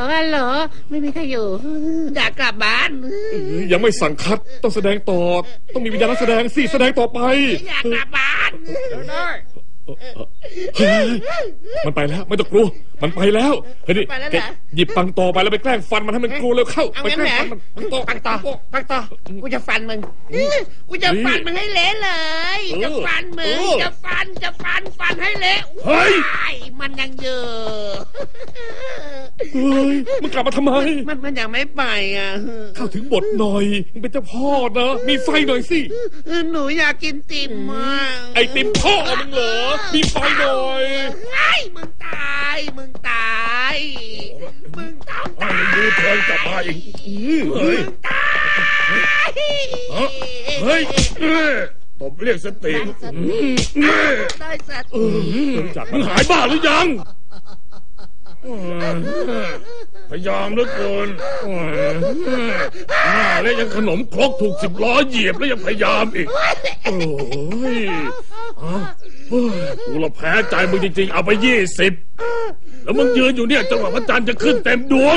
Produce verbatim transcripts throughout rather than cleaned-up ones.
ฮัลโหลไม่มีใครอยู่อยากกลับบ้านยังไม่สั่งคัดต้องแสดงต่อต้องมีวิญญาณนักแสดงสิแสดงต่อไปอยากกลับบ้านได้มันไปแล้วไม่ต้องกลัวมันไปแล้วเฮ้ยนี่หยิบปังตอไปแล้วไปแกล้งฟันมันให้มันกลัวแล้วเข้าไปแกล้งฟันมันปังตอปังตอปังตอกูจะฟันมึงกูจะฟันมึงให้เละเลยจะฟันมึงจะฟันจะฟันฟันให้เละเฮ้ยมันยังเยอะเฮ้ยมึงกลับมาทำไมมันมันยังไม่ไปอ่ะเข้าถึงบทหน่อยมึงเป็นเจ้าพ่อนะมีไฟหน่อยสิหนูอยากกินติ่มมากไอติ่มพ่อมึงเหรอมีไฟหน่อยไอ้มึงตายมึงตายมึงต้องตายดูเธอกลับมาอีกเฮ้ยตายเฮ้ยตบเรียกสติได้สติมึงหายบ้าหรือยังพยายามเหลือเกินแล้วยังขนมครกถูกสิบล้อเหยียบแล้วยังพยายามอีกโอ้ยกูละแพ้ใจมึงจริงๆเอาไปยี่สิบแล้วมึงยืนอยู่เนี่ยจังหวะพระจันทร์จะขึ้นเต็มดวง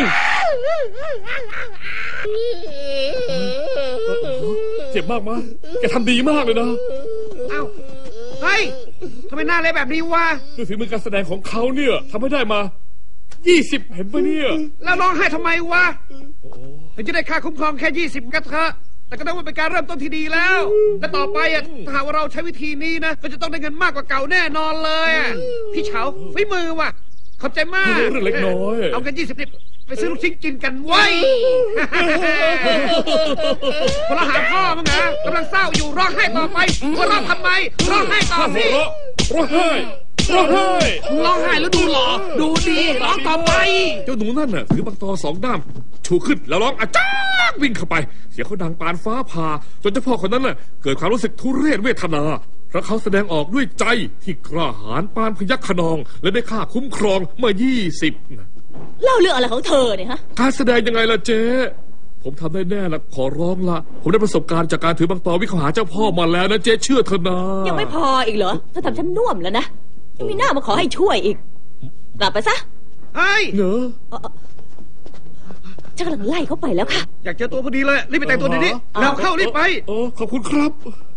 เจ็บมากมั้ยแกทำดีมากเลยนะเอ้าเฮ้ยทำไมหน้าเละแบบนี้วะด้วยฝีมือการแสดงของเขาเนี่ยทำให้ได้มายี่สิบเห็นปะเนี่ยแล้วร้องไห้ทำไมวะถึงจะได้ค่าคุ้มครองแค่ยี่สิบก็เถอะแต่ก็ต้องเป็นการเริ่มต้นที่ดีแล้วและต่อไปอ่ะถ้าหากว่าเราใช้วิธีนี้นะก็จะต้องได้เงินมากกว่าเก่าแน่นอนเลยพี่เฉาฝีมือว่ะขอบใจมากเรื่องเล็กน้อยเอากันยี่สิบไปซื้อลูกชิ้นกินกันไว้พอเราหาพ่อมึงนะกำลังเศร้าอยู่ร้องไห้ต่อไปว่าร้องทำไมร้องไห้ต่อสิร้องไห้ร้องไห้ร้องไห้แล้วดูหล่อดูดีร้องต่อไปเจ้าหนูนั่นน่ะถือบังตอสองด้ามชูขึ้นแล้วร้องอาจ้าวิ่งเข้าไปเสียงเขาดังปานฟ้าผ่าจนเจ้าพ่อคนนั้นน่ะเกิดความรู้สึกทุเรศเวทนาเพราะเขาแสดงออกด้วยใจที่กล้าหาญปานพยัคฆ์ขนองและได้ค่าคุ้มครองเมื่อยี่สิบเล่าเรื่องอะไรของเธอเนี่ยฮะการแสดงยังไงล่ะเจ๊ผมทำได้แน่ละขอร้องละผมได้ประสบการณ์จากการถือบังตอวิ่งเข้าหาเจ้าพ่อมาแล้วนะเจ๊เชื่อเถอะนะยังไม่พออีกเหรอเธอทำฉันน่วมแล้วนะยังมีหน้ามาขอให้ช่วยอีกกลับไปซะเฮ้ยเนอะฉันกำลังไล่เขาไปแล้วค่ะอยากเจอตัวพอดีเลยรีบไปแต่งตัวดีๆแล้วเข้ารีบไปโอ้ขอบคุณครับ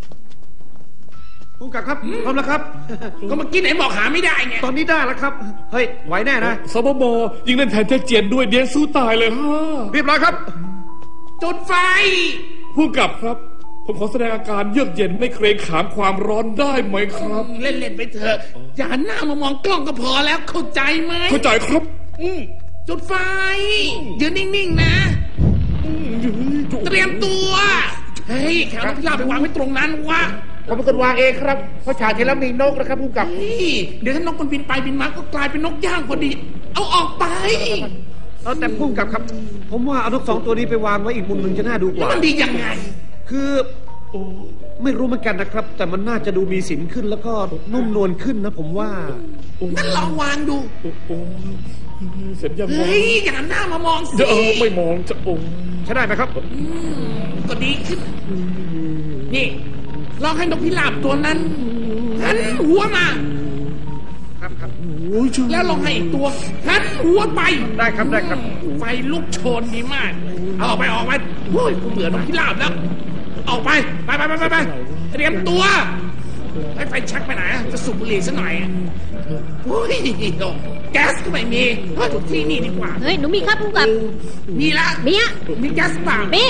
ผู้กำกับครับพร้อมแล้วครับก็เมื่อกี้ไหนบอกหาไม่ได้ไงตอนนี้ได้แล้วครับเฮ้ยไหวแน่นะสบมยิงเล่นแทนเจ๊เจียนด้วยเดียนสู้ตายเลยฮะเรียบร้อยครับจุดไฟผู้กำกับครับผมขอแสดงอาการเยือกเย็นไม่เกรงขามความร้อนได้ไหมครับเล่นๆไปเถอะอย่าหันหน้ามามองกล้องก็พอแล้วเข้าใจไหมเข้าใจครับจุดไฟยืนนิ่งๆนะเตรียมตัวเฮ้ยแขวนนกพิราบไปวางไว้ตรงนั้นวะผมเป็นคนวางเองครับเพราะฉากที่แล้วมีนกนะครับผู้กำกับเดี๋ยวถ้านกมันบินไปบินมาก็กลายเป็นนกย่างพอดีเอาออกไปเอาแต่ผู้กำกับครับผมว่าเอานกสองตัวนี้ไปวางไว้อีกมุมหนึ่งจะน่าดูกว่ามันดียังไงคือไม่รู้เหมือนกันนะครับแต่มันน่าจะดูมีสินขึ้นแล้วก็นุ่มนวลขึ้นนะผมว่างั้นลองวางดูเสร็จยังเฮ้ยอย่าหันหน้ามามองสิเออไม่มองจะโอ้ใช่ได้ไหมครับก็ดีขึ้นนี่ลองให้นกพิราบตัวนั้นหันหัวมาครับครับแล้วลองให้อีกตัวหันหัวไปได้ครับได้ครับไฟลุกโชนดีมากเอาออกไปออกไปโอ้ยกูเบื่อนกพิราบแล้วออกไปไปไปไปไปเตรียมตัวให้ไฟชักไปไหนจะสูบบุหรี่ซะหน่อยโอ้ยแก๊สก็ไม่มีว่าถูกที่นี่ดีกว่าเฮ้ยหนูมีครับผู้กำกับมีละมีอะมีแก๊สป่ะมี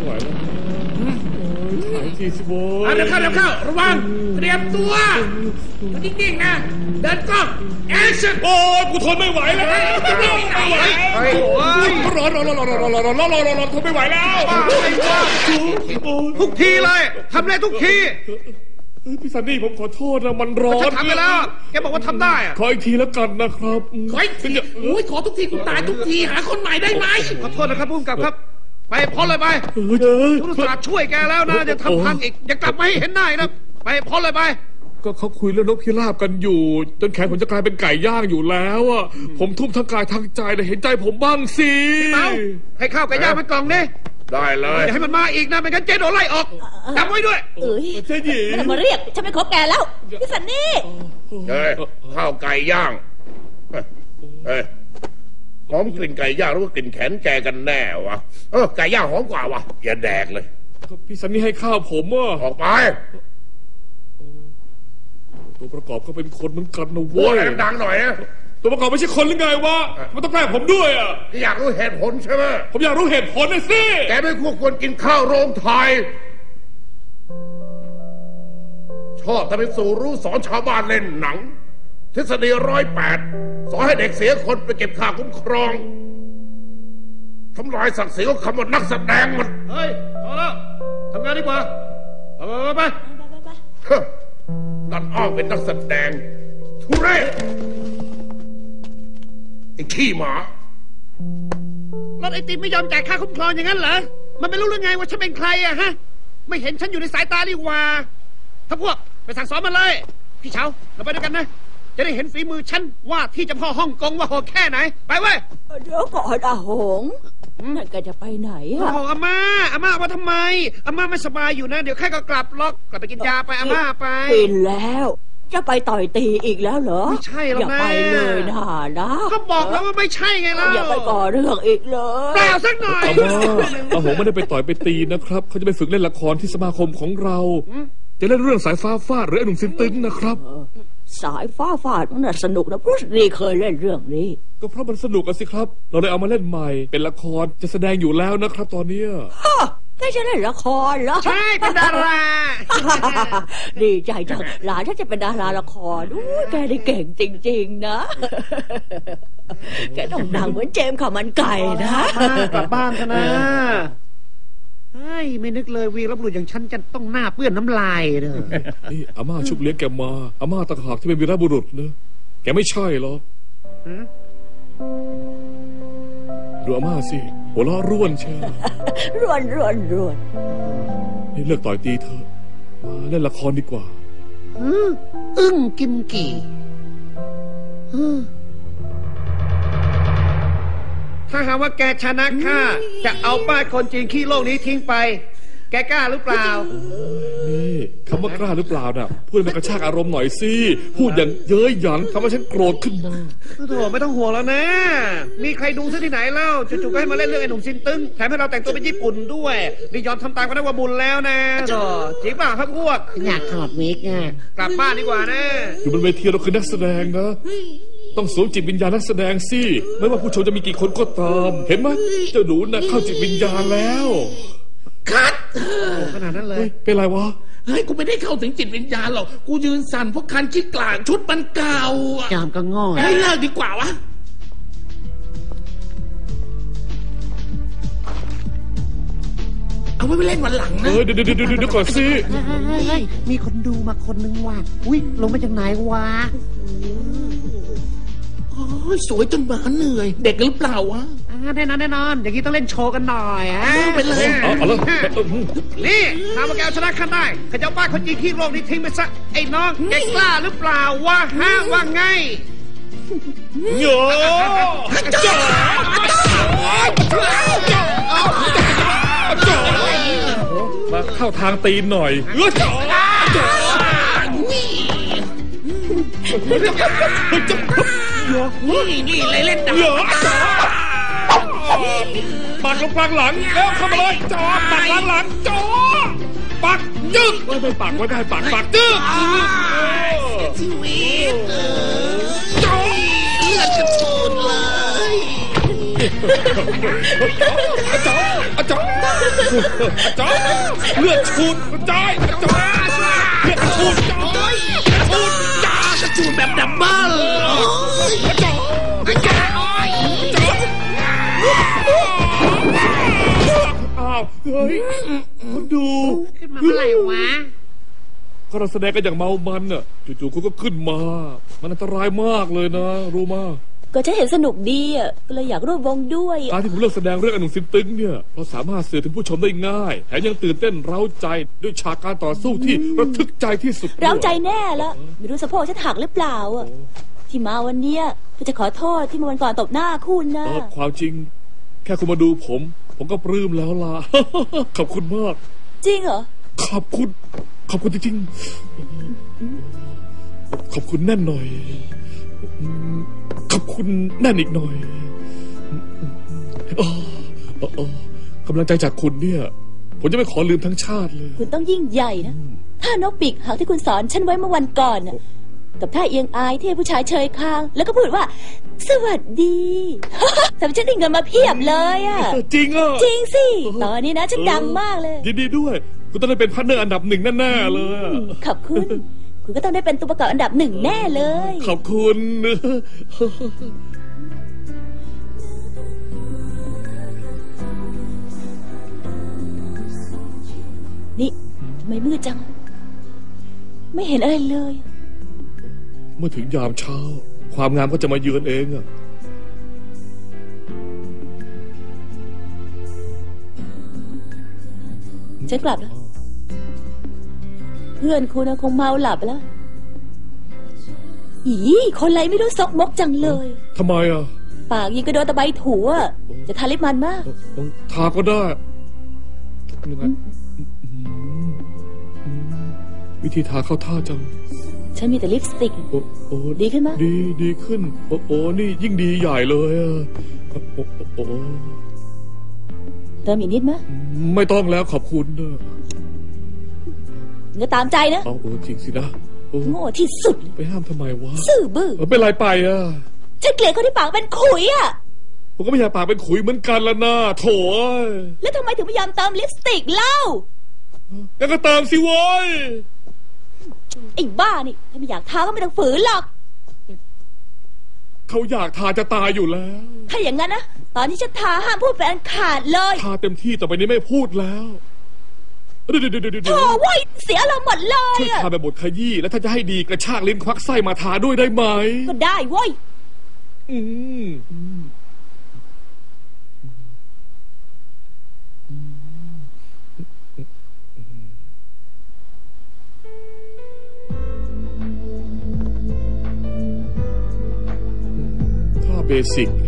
เอาเดี๋ยวเข้าเดี๋ยวเข้าระวังเตรียมตัวนิ่งๆนะเดินกล้องแอคชั่นโอ้ยกูทนไม่ไหวแล้วไม่ไหวร้อนร้อนร้อนร้อนร้อนร้อนร้อนร้อนร้อนร้อนทนไม่ไหวแล้วทุกทีเลยทำเลยทุกทีพี่ซันนี่ผมขอโทษนะมันร้อนฉันทำไปแล้วแกบอกว่าทำได้อะขออีกทีแล้วกันนะครับขออีกทีโอ้ยขอทุกทีกูตายทุกทีหาคนใหม่ได้ไหมขอโทษนะครับผู้กำกับครับไปพ้นเลยไปทุกศาสตร์ช่วยแกแล้วนะจะทำพังอีกอย่ากลับมาให้เห็นหน้านะไปพ้นเลยไปก็เขาคุยเรื่องนกพิราบกันอยู่จนแขนผมจะกลายเป็นไก่ย่างอยู่แล้วอ่ะผมทุ่มทั้งกายทั้งใจแต่เห็นใจผมบ้างสิพี่เมาให้ข้าวไก่ย่างมันกล่องนี่ได้เลยอย่าให้มันมาอีกนะไม่งั้นเจ๊โดนไล่ออกจำไว้ด้วยเอ้ยเจ๊หญิงไม่ต้องมาเรียกฉันไม่คบแกแล้วพี่สันนี่เฮ้ยข้าวไก่ย่างเฮ้ยหอมกลิ่นไก่ย่างหรือว่ากลิ่นแขนแกกันแน่วะเออไก่ย่างหอมกว่าวะอย่าแดกเลยก็พี่ซันนี่ให้ข้าวผมอ่ะออกไปตัวประกอบก็เป็นคนเหมือนกันนะโว้เว้ยยดังๆหน่อยนะตัวประกอบไม่ใช่คนหรือไงวะมันต้องแกล้งผมด้วยอ่ะอยากรู้เหตุผลใช่ไหมผมอยากรู้เหตุผลนะสิแกไม่ควรควรกินข้าวโรงไทยชอบทำเป็นสู่รู้สอนชาวบ้านเล่นหนังทฤษฎีร้อยแปดสอนให้เด็กเสียคนไปเก็บค่าคุ้มครองทำลายศักดิ์ศรีของคำว่านักแสดงมันเฮ้ยพอแล้วทำงานดีกว่าไปไปไปเฮ้อดันอ้างเป็นนักแสดงทุเรศไอ้ขี้หมารถไอติมไม่ยอมจ่ายค่าคุ้มครองอย่างนั้นเหรอมันไม่รู้เรื่องไงว่าฉันเป็นใครอะฮะไม่เห็นฉันอยู่ในสายตาดีกว่าถ้าพวกไปสั่งสอนมันเลยพี่เฉาเราไปด้วยกันนะจะได้เห็นฝีมือฉันว่าที่เจะพ่อฮ่องกงว่าโหดแค่ไหนไปเว้ยเดี๋ยวก่อนอาหงนั่นแกจะไปไหนโอ้อะโหอาม่าอาม่าว่าทำไมอาม่าไม่สบายอยู่นะเดี๋ยวแค่ก็กลับล็อกกลับไปกินยาไปอาม่าไปกินแล้ว จะไปต่อยตีอีกแล้วเหรอไม่ใช่หรอกอย่านะไปเลยนะนะก็บอกแล้วว่าไม่ใช่ไงล่ะอย่าไปก่อเรื่องอีกเลยเปล่าสักหน่อยอาม่าอาหงไม่ได้ไปต่อยไปตีนะครับเขาจะไปฝึกเล่นละครที่สมาคมของเรา จะเล่นเรื่องสายฟ้าฟาดหรือไอ้หนุ่มซินตึงนะครับสายฟ้าฟาดมันน่ะสนุกนะพุชรีเคยเล่นเรื่องนี้ก็เพราะมันสนุกอะสิครับ เราเลยเอามาเล่นใหม่ เป็นละครจะแสดงอยู่แล้วนะครับ ตอนเนี้ยฮะแกจะเล่นละครเหรอใช่เป็นดาราดีใจจังหลานฉันจะเป็นดาราละครอู้แกได้เก่งจริงๆนะ แกต้องดังเหมือนเจมส์ข่าวมันไก่นะกลับบ้านกันนะเฮ้ยไม่นึกเลยวีรบุรุษอย่างฉันจะต้องหน้าเปื้อนน้ำลายเด้อนี่อาม่าชุบเลี้ยงแกมาอาม่าต่างหากที่เป็นวีรบุรุษนะแกไม่ใช่หรอกดูอาม่าสิหัวเราะร่วนเชียวรวนรวนรวนนี่เลิกต่อยตีเถอะมาเล่นละครดีกว่าอืมอึ้งกิมกี่อืมถ้าหากว่าแกชนะข้าจะเอาป้ายคนจีนขี้โลกนี้ทิ้งไป แกกล้าหรือเปล่านี่คำว่ากล้าหรือเปล่าน่ะพูดให้มันกระชากอารมณ์หน่อยสิพูดอย่างเย้ยหยันทำให้ฉันโกรธขึ้นมาโถไม่ต้องห่วงแล้วนะ มีใครดูซะที่ไหนเล่าจู่ๆก็ให้มาเล่นเรื่องไอ้หนุ่มซินตึงแถมให้เราแต่งตัวเป็นญี่ปุ่นด้วยนี่ยอมทำตามก็ได้ว่าบุญแล้วนะโถจริงป่ะพักพวกอยากถอดวิกอ่ะกลับบ้านดีกว่านะอยู่บนเวทีเราคือนักแสดงนะต้องสวมจิตวิญญาณนักแสดงสิไม่ว่าผู้ชมจะมีกี่คนก็ตาม เห็นไหมเจ้าหนูน่ะเข้าจิตวิญญาณแล้วคัดขนาดนั้นเลยเฮ้ยเป็นไรวะเฮ้ยกูไม่ได้เข้าถึงจิตวิญญาณหรอกกูยืนสั่นเพราะคันคิดกลางชุดมันเก่าอะจามก็ง่อยให้เลิกดีกว่าวะเอาไว้ไปเล่นวันหลังเอนะอเดี๋ยวเดี๋ยวเดี๋ยวเดี๋ยวก่อนสิเฮ้ยมีคนดูมาคนนึงว่ะอุ้ยลงมาจากไหนวะโอ้ยสวยจนหมาเหนื่อย เด็กหรือเปล่าวะอ่าแน่นอนแน่นอนอย่างนี้ต้องเล่นโชว์กันหน่อยอ่ะเอาไปเลยเอาเอาละเออนี่ถ้ามาแกเอาชนะข้าได้ข้าจะเอาป้าคนจีนขี้โลกนี้ทิ้งไปซะไอ้น้องแกกล้าหรือเปล่าวะฮะว่าไงโยจ้ามาเข้าทางตีนหน่อยเออจ้าจ้านี่นี่เลยเล่นดังเหรอจ้าปักลงกลางหลังแล้วเข้ามาเลยจ้าปักกลางหลังจ้าปักจึ๊กไม่ไม่ปักไว้ได้ปักปักจึ๊กชีวิตเออเลือดกระชูดเลยอาจารย์อาจารย์อาจารย์เลือดชูดกระจายอาจารย์เลือดชูดกระจายชูดจ้ากระชูดแบบดับเบิ้ลอาจารย์อาจารย์อาจารย์อ้าวเฮ้ยคนดูขึ้นมาเมื่อไหร่วะก็เราแสดงกันอย่างเมามันน่ะจู่ๆคุณก็ขึ้นมา มันอันตรายมากเลยนะรู้มาก็ฉันเห็นสนุกดีอ่ะก็เลยอยากร่วมวงด้วยการที่ผมเลือกแสดงเรื่องอนุสินตึงเนี่ยเราสามารถสื่อถึงผู้ชมได้ง่ายแถมยังตื่นเต้นเร้าใจด้วยฉากการต่อสู้ที่ระทึกใจที่สุดเราใจแน่แล้วไม่รู้สะโพกฉันหักหรือเปล่าอ่ะที่มาวันเนี้ยก็จะขอโทษที่เมื่อวันก่อนตบหน้าคุณนะเออความจริง แค่คุณมาดูผม ผมก็ปลื้มแล้วล่ะ ขอบคุณมากจริงเหรอขอบคุณ ขอบคุณจริงๆขอบคุณแน่นหน่อยขอบคุณแน่นอีกหน่อยำลังใจจากคุณเนี่ย ผมจะไม่ขอลืมทั้งชาติเลยคุณต้องยิ่งใหญ่นะท่านกปีกหักที่คุณสอนฉันไว้เมื่อวันก่อนน่ะกับท่าเอียงอายที่ผู้ชายเชยคาง แล้วก็พูดว่า สวัสดี ทำฉันได้เงินมาเพียบเลยอ่ะจริงอ่ะจริงสิตอนนี้นะฉันดังมากเลยยินดีด้วย คุณต้องได้เป็นพาร์ทเนอร์อันดับหนึ่งแน่ๆเลยขอบคุณ คุณก็ต้องได้เป็นตัวประกอบอันดับหนึ่งแน่เลยขอบคุณนี่ทำไมมืดจัง ไม่เห็นอะไรเลยเมื่อถึงยามเช้า ความงามก็จะมาเยือนเองอะฉันกลับแล้ว เพื่อนคุณคงเมาหลับแล้วอีคนไรไม่รู้ซกมกจังเลยทำไมอะปากยิงกระโดนตะไบถูอ่ะจะทาลิปมันมากทาก็ได้ยังไงวิธีทาเข้าท่าจังฉันมีแต่ลิปสติกโอ้โอ้ดีขึ้นไหมดีดีขึ้น โอ้โอ้นี่ยิ่งดีใหญ่เลยอะโอ้โอ้โอ้เติมอีกนิดไหมไม่ต้องแล้วขอบคุณนะเงนตามใจนะเอาโอ้จริงสินะโอ้โง่ที่สุดเลยไปห้ามทำไมวะซื่อบื้อเออเป็นไรไปอะฉันเกลียดคนที่ปากเป็นขุยอ่ะผมก็ไม่อยากปากเป็นขุยเหมือนกันละนะโถ่เอ้ยแล้วทำไมถึงไม่ยอมเติมลิปสติกเล่างั้นก็เติมสิโว้ยไอ้บ้านี่ถ้าไม่อยากทาก็ไม่ต้องฝืนหรอกเขาอยากทาจะตายอยู่แล้วถ้าอย่างนั้นนะตอนที่ฉันทาห้ามพูดเป็นอันขาดเลยทาเต็มที่ต่อไปนี้ไม่พูดแล้วเดี๋ยวเดี๋ยวเดี๋ยวเดี๋ยวโถ่เว้ยเสียอารมณ์หมดเลยช่วยอะทาแบบบทขยี้แล้วถ้าจะให้ดีกระชากลิ้นควักไส้มาทาด้วยได้ไหมก็ได้เว้ยอืมท่าเบสิก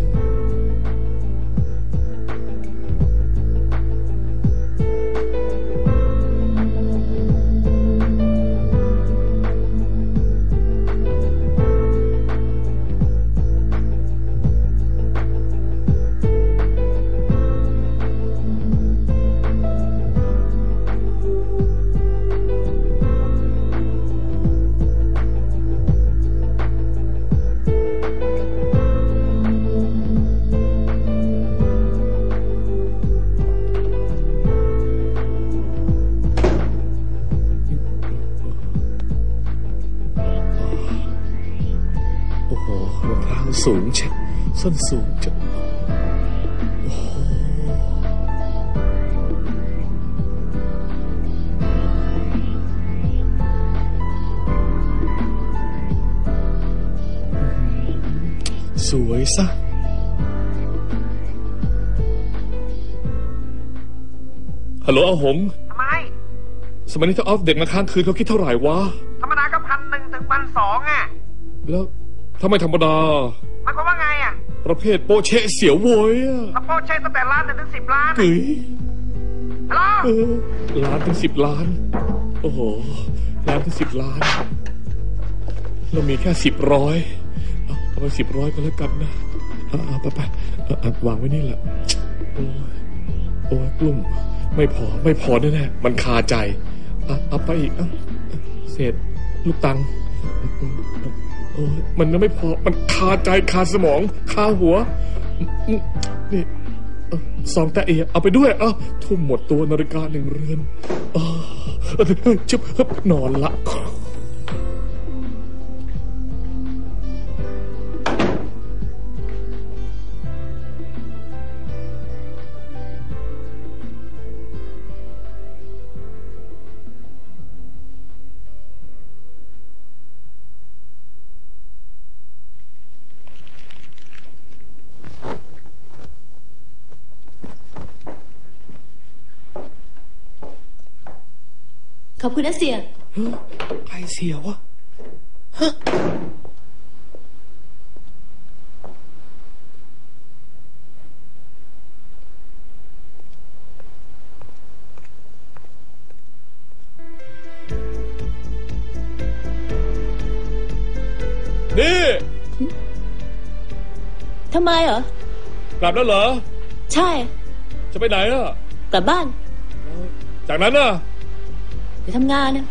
โอ้โหรองเท้าสูงเช่ส้นสูงจังโอ้โหสวยซะฮัลโหลอาหงทำไมสมัยนี้ถ้าออฟเด็กมาค้างคืนเขาคิดเท่าไหร่วะธรรมดาก็พันหนึ่งถึงพันสองอ่ะแล้วถ้าไม่ธรรมดาหมายความว่าไงอ่ะประเภทโปเชะเสียวโวยอะถ้าโปรใช้ตั้งแต่ล้านหนึ่งถึงสิบล้านกึ๋ยฮัลโหลเออล้านถึงสิบล้าน โอ้โหล้านถึงสิบล้าน เรามีแค่สิบร้อยเอาเอาไปสิบร้อยก็แล้วกันนะเอาเอาไปไปเอาเอาวางไว้นี่แหละ โอ้ยโอ้ยกลุ่มไม่พอไม่พอแน่ๆมันคาใจเอาเอาไปอีกเอาเศษลูกตังค์โอ้ยมันยังไม่พอมันคาใจคาสมองคาหัวนี่เอ้าซองแต่เอเอาไปด้วยเอ้าทุ่มหมดตัวนาฬิกาหนึ่งเรือนเออจุบนอนละขอบคุณนะเสียใครเสียวะฮะนี่ทำไมเหรอกลับแล้วเหรอใช่จะไปไหนอ่ะกลับบ้านจากนั้นน่ะไปทำงานนะ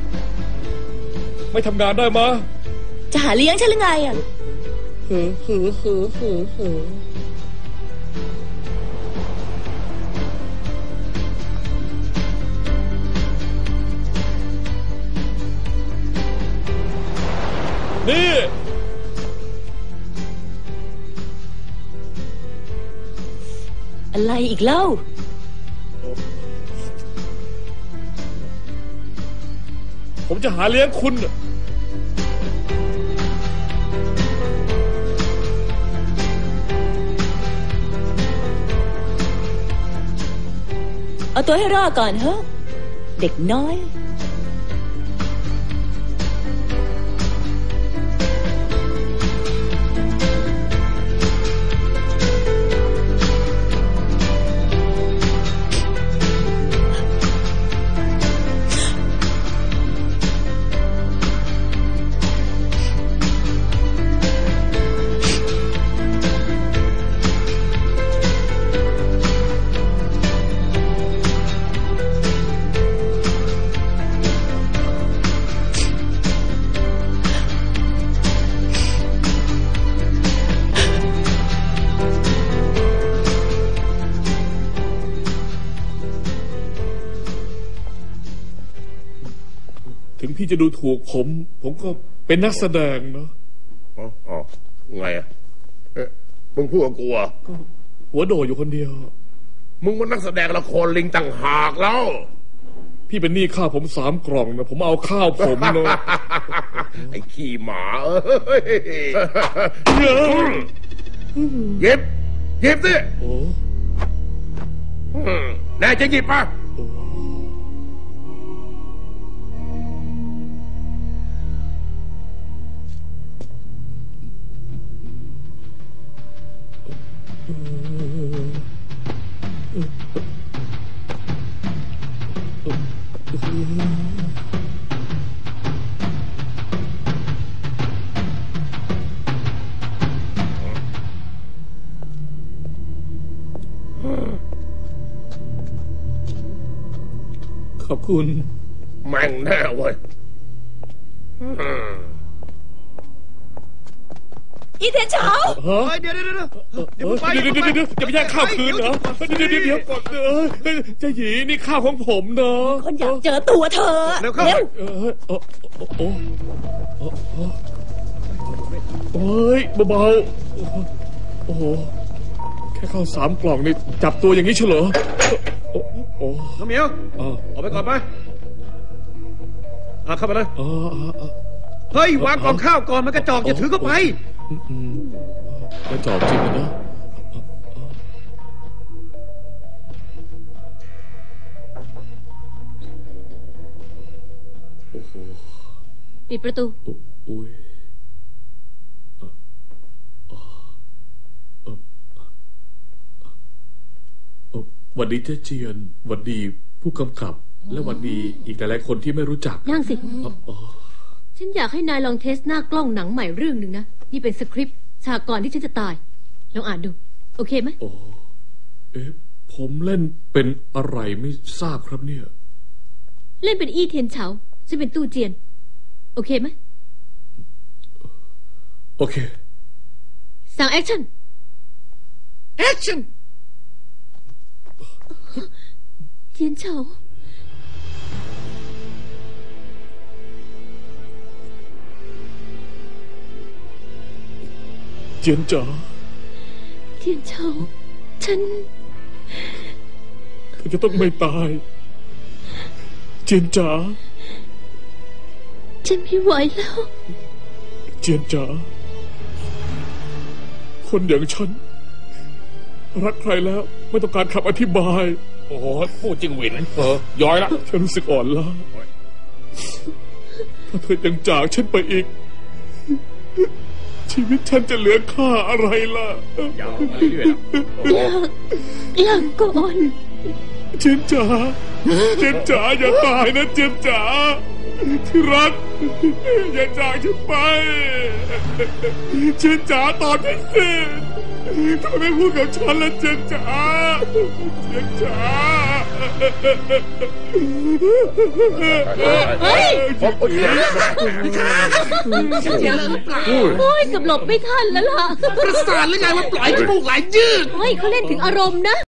ไม่ทำงานได้มะจะหาเลี้ยงฉันหรือไงอ่ะหือหือหือหือหือนี่อะไรอีกเล่าผมจะหาเลี้ยงคุณเอาตัวให้รอดก่อนเฮ้เด็กน้อยถึงพี่จะดูถูกผม ผมก็เป็นนักแสดงเนาะอ๋ออ๋อไงอ่ะเอ๊ะมึงพูดกับกูอ่ะหัวโดอยู่คนเดียวมึงมันนักแสดงละครลิงต่างหากแล้วพี่เป็นหนี้ข้าวผมสามกล่องนะผมเอาข้าวผมเนาะไอ้ขี้หมาเอ้ยหยิบหยิบสิโอ้อืมแน่จะหยิบป่ะขอบคุณแม่งแน่เว้ยอืมอีเทียนเฉาฮะเฮ้ยเดี๋ยวเดี๋ยวเดี๋ยวเดี๋ยวไปเดี๋ยวเดี๋ยวเดี๋ยวจะไปแย่งข้าวคืนเหรอเดี๋ยวเดี๋ยวเดี๋ยวก่อนเออเจะหยีนี่ข้าวของผมเนาะคนอยากเจอตัวเธอเร็วเข้าเร็วเออโอ้โอ้โอ้โอ้ยเบาๆโอ้โหแค่ข้าวสามกล่องนี่จับตัวอย่างนี้เฉลอโอ้โอ้น้องเหมียวอ๋อออกไปก่อนไปอ่ะเข้าไปเลยอ๋ออ๋อเฮ้ยวางกล่องข้าวก่อนมันกระจอกอย่าถือเข้าไปอืมกระจอกจริงนะ โอ้โหปิดประตูอุ้ยหวัดดีเจ๊เจียนหวัดดีผู้กำกับ และหวัดดีอีกหลายๆคนที่ไม่รู้จักนั่งสิอ๋อฉันอยากให้นายลองเทสหน้ากล้องหนังใหม่เรื่องหนึ่งนะ นี่เป็นสคริปต์ฉากก่อนที่ฉันจะตาย ลองอ่านดู โอเคไหมโอ้เอ๊ะผมเล่นเป็นอะไรไม่ทราบครับเนี่ยเล่นเป็นอี้เทียนเฉาฉันเป็นตู้เจียน โอเคไหมโอเคสั่งแอคชั่นแอคชั่นเทียนเฉาเจียนจ๋าเทียนเฉาฉันเธอจะต้องไม่ตาย เจียนจ๋าฉันไม่ไหวแล้วเจียนจ๋า คนอย่างฉัน รักใครแล้วไม่ต้องการคำอธิบายโอ้โหพูดจริงหวินเออย้อยละฉันรู้สึกอ่อนล้าถ้าเธอยังจากฉันไปอีก ชีวิตฉันจะเหลือค่าอะไรล่ะยาวมาเรื่อยๆแล้วโอ้โหลาก่อนเจียนจ๋า เจียนจ๋าอย่าตายนะเจียนจ๋า ที่รัก อย่าจากฉันไป เจียนจ๋าตอบฉันสิทำไมไม่พูดกับฉันล่ะเจียนจ๋า เจียนจ๋าเฮ้ยฉันเสียเลยหรือเปล่าโอ้ยเกับหลบไม่ทันแล้วล่ะประสาทหรือไงว่าปล่อยจมูกไหลยืดเฮ้ยเขาเล่นถึงอารมณ์นะ